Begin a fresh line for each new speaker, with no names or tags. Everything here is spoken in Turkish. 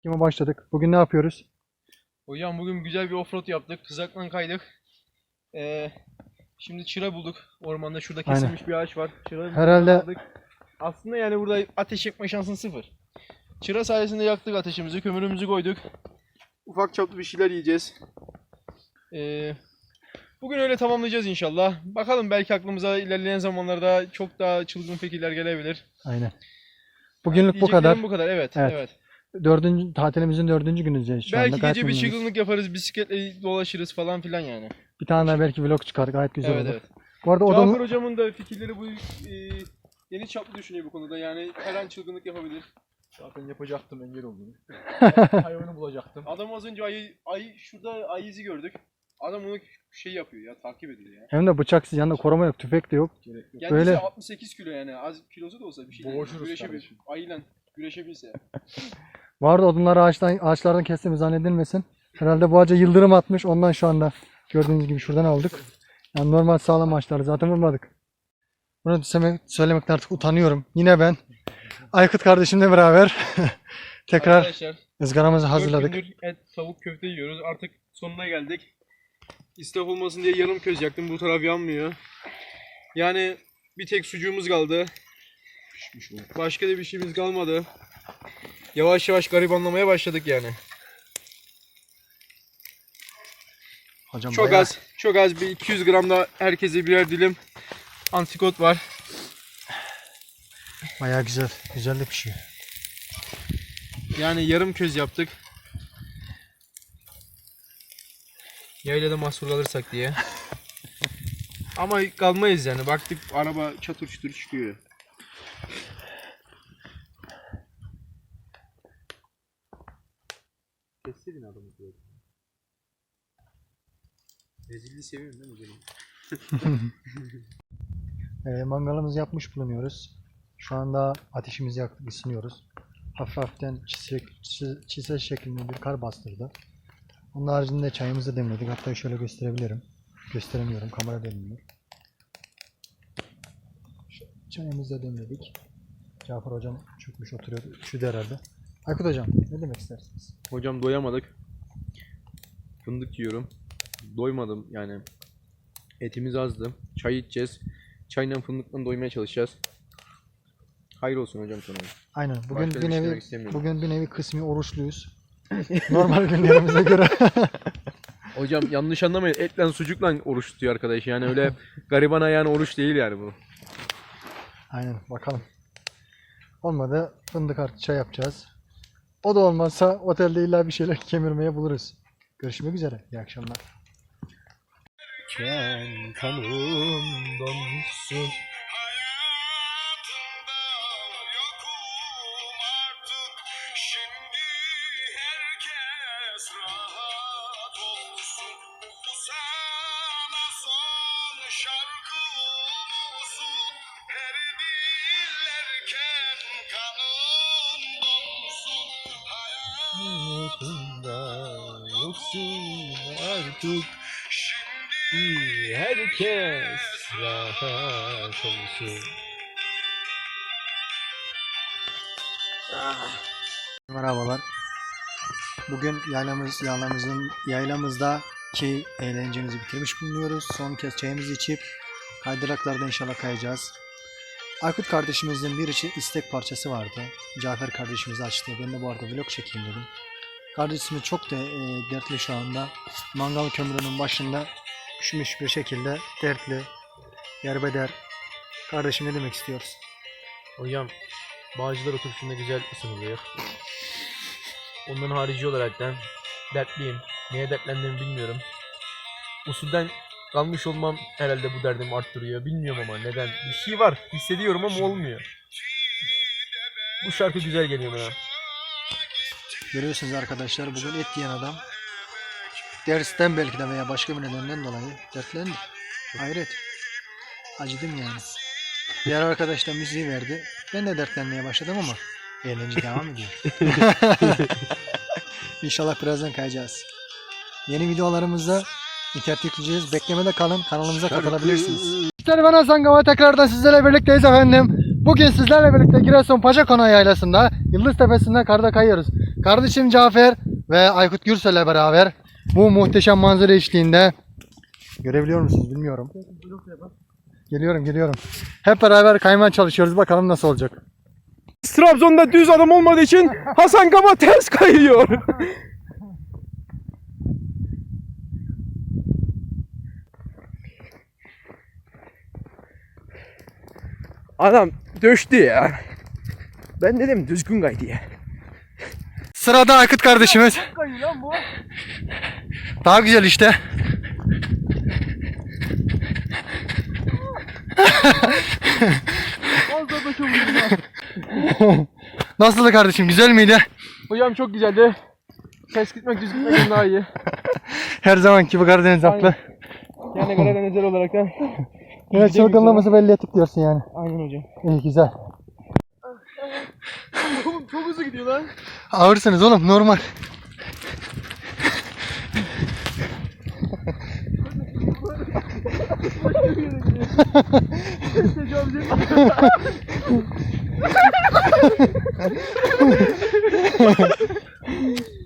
Kime başladık? Bugün ne yapıyoruz?
Hocam bugün güzel bir offroad yaptık. Kızaktan kaydık. Şimdi çıra bulduk. Ormanda şurada kesilmiş bir ağaç var. Çıra
Herhalde
aldık. Aslında yani burada ateş yakma şansın sıfır. Çıra sayesinde yaktık ateşimizi, kömürümüzü koyduk. Ufak çaplı bir şeyler yiyeceğiz. Bugün öyle tamamlayacağız inşallah. Bakalım, belki aklımıza ilerleyen zamanlarda çok daha çılgın fikirler gelebilir.
aynen. Bugünlük bu kadar.
Bu kadar, evet.
Evet.
Evet.
Tatilimizin 4. günündeyiz şu anda.
Belki
Gayet
gece bir
memnunuz.
çılgınlık yaparız, bisikletle dolaşırız falan filan yani.
Bir tane daha belki vlog çıkar. Gayet güzel
Evet,
olur.
evet.
Bu arada
Cafer
odamı...
hocamın da fikirleri bu geniş çaplı düşünüyor bu konuda. Yani her an çılgınlık yapabilir.
Zaten yapacaktım, engel oldum. Hayvanı bulacaktım.
Adam az önce şurada ayı izi gördük. Adam onu şey yapıyor ya, takip ediyor ya.
Hem de bıçaksız, yanında koruma yok, tüfek de yok.
Gerek yok.
Kendisi
Öyle.
68 kilo yani, az kilosu da olsa bir şey değil.
Boğuşuruz
Güreşebilir.
kardeşim.
Ayıyla güreşebilse.
Bu arada odunları ağaçlardan kestiğimiz zannedilmesin. Herhalde bu ağaca yıldırım atmış. Ondan şu anda gördüğünüz gibi şuradan aldık. Yani normal sağlam ağaçları zaten vurmadık. Bunu söylemekten artık utanıyorum. Yine ben Aykut kardeşimle beraber tekrar
Arkadaşlar,
ızgaramızı
4
hazırladık.
gündür et, tavuk, köfte yiyoruz. Artık sonuna geldik. İsraf olmasın diye yarım köz yaktım. Bu taraf yanmıyor. Yani bir tek sucuğumuz kaldı. Başka da bir şeyimiz kalmadı. Yavaş yavaş garibanlamaya başladık yani.
Hocam
Çok az bir 200 gram da herkese birer dilim antrikot var.
Bayağı güzel. Güzel de pişiyor.
Yani yarım köz yaptık. Yaylada mahsur kalırsak diye. Ama kalmayız yani. Baktık araba çatır çutur çıkıyor. Kessedin adamı böyle. Rezilliği seviyorum değil mi canım?
Mangalımızı yapmış bulunuyoruz. Şu anda ateşimizi yaktık, ısınıyoruz. Hafiften çisel şeklinde bir kar bastırdı. Onun haricinde çayımızı demledik. Hatta şöyle gösterebilirim. Gösteremiyorum, kamera demliyor. Çayımızı da demledik. Cafer hocam çökmüş oturuyor. Üşüdü herhalde. Aykut hocam ne demek istersiniz?
Hocam doyamadık. Fındık yiyorum. Doymadım yani. Etimiz azdı. Çay içeceğiz. Çayla fındıkla doymaya çalışacağız. Hayır olsun hocam sana.
Aynen.
Başka
Bugün
bir
bir
şey
nevi
demek istemiyorum.
kısmi oruçluyuz. Normal günlerimize göre.
Hocam yanlış anlamayın. Etle sucukla oruç tutuyor arkadaş. Yani öyle gariban ayağına oruç değil yani bu.
Aynen, bakalım. Olmadı fındık artı çay yapacağız. O da olmazsa otelde illa bir şeyler kemirmeye buluruz. Görüşmek üzere. İyi akşamlar.
Sen kanımdan su. Yoksun artık. Herkes rahat olsun.
Merhabalar. Bugün yaylamızdaki eğlencemizi bitirmiş bulunuyoruz. Son kez çayımızı içip kaydıraklarda inşallah kayacağız. Aykut kardeşimizin bir istek parçası vardı. Cafer kardeşimiz açtı. Ben de bu arada vlog çekeyim dedim. Kardeşimiz çok da dertli şu anda. Mangal kömürünün başında üşümüş bir şekilde dertli, yerbeder. Kardeşim ne demek istiyoruz?
Hocam Bağcılar otobüsünde güzel ısınılıyor. Ondan harici olarak da dertliyim. Neye dertlendiğimi bilmiyorum. Usulden kalmış olmam herhalde bu derdimi arttırıyor. Bilmiyorum ama neden. Bir şey var. Hissediyorum ama olmuyor. Bu şarkı güzel geliyor bana.
Görüyorsunuz arkadaşlar, bugün et yiyen adam dersten belki de veya başka bir nedenden dolayı dertlendi. Hayret. Acıdım yani. Diğer arkadaş da müziği verdi. Ben de dertlenmeye başladım ama eğlence devam ediyor. İnşallah birazdan kayacağız. Yeni videolarımızda internete yükleyeceğiz. Beklemede kalın. Kanalımıza katılabilirsiniz. İşte ben Hasan Gava, tekrardan sizlerle birlikteyiz efendim. Bugün sizlerle birlikte Giresun Paşakonağı Yaylası'nda Yıldız Tepesi'nde karda kayıyoruz. Kardeşim Cafer ve Aykut Gürsel'le beraber bu muhteşem manzara eşliğinde görebiliyor musunuz bilmiyorum. Geliyorum. Hep beraber kaymaya çalışıyoruz. Bakalım nasıl olacak.
Trabzon'da düz adam olmadığı için Hasan Kaba ters kayıyor. Adam döştü ya. Ben dedim düzgün kay diye.
Sırada Aykut kardeşimiz.
Kayıyor lan bu.
Daha güzel işte.
Az da çok güzel.
Nasıldı kardeşim? Güzel miydi?
Hocam çok güzeldi. Ters gitmek düz gitmekten daha iyi.
Her zamanki bu Karadeniz haklı.
Yani Karadenizler olarak da.
Evet, çılgınlığımızı belli ettik diyorsun yani.
Aynen hocam.
İyi, güzel.
Oğlum çok hızlı gidiyor lan.
Ağırsınız oğlum, normal.
Tecavüz etmiyor.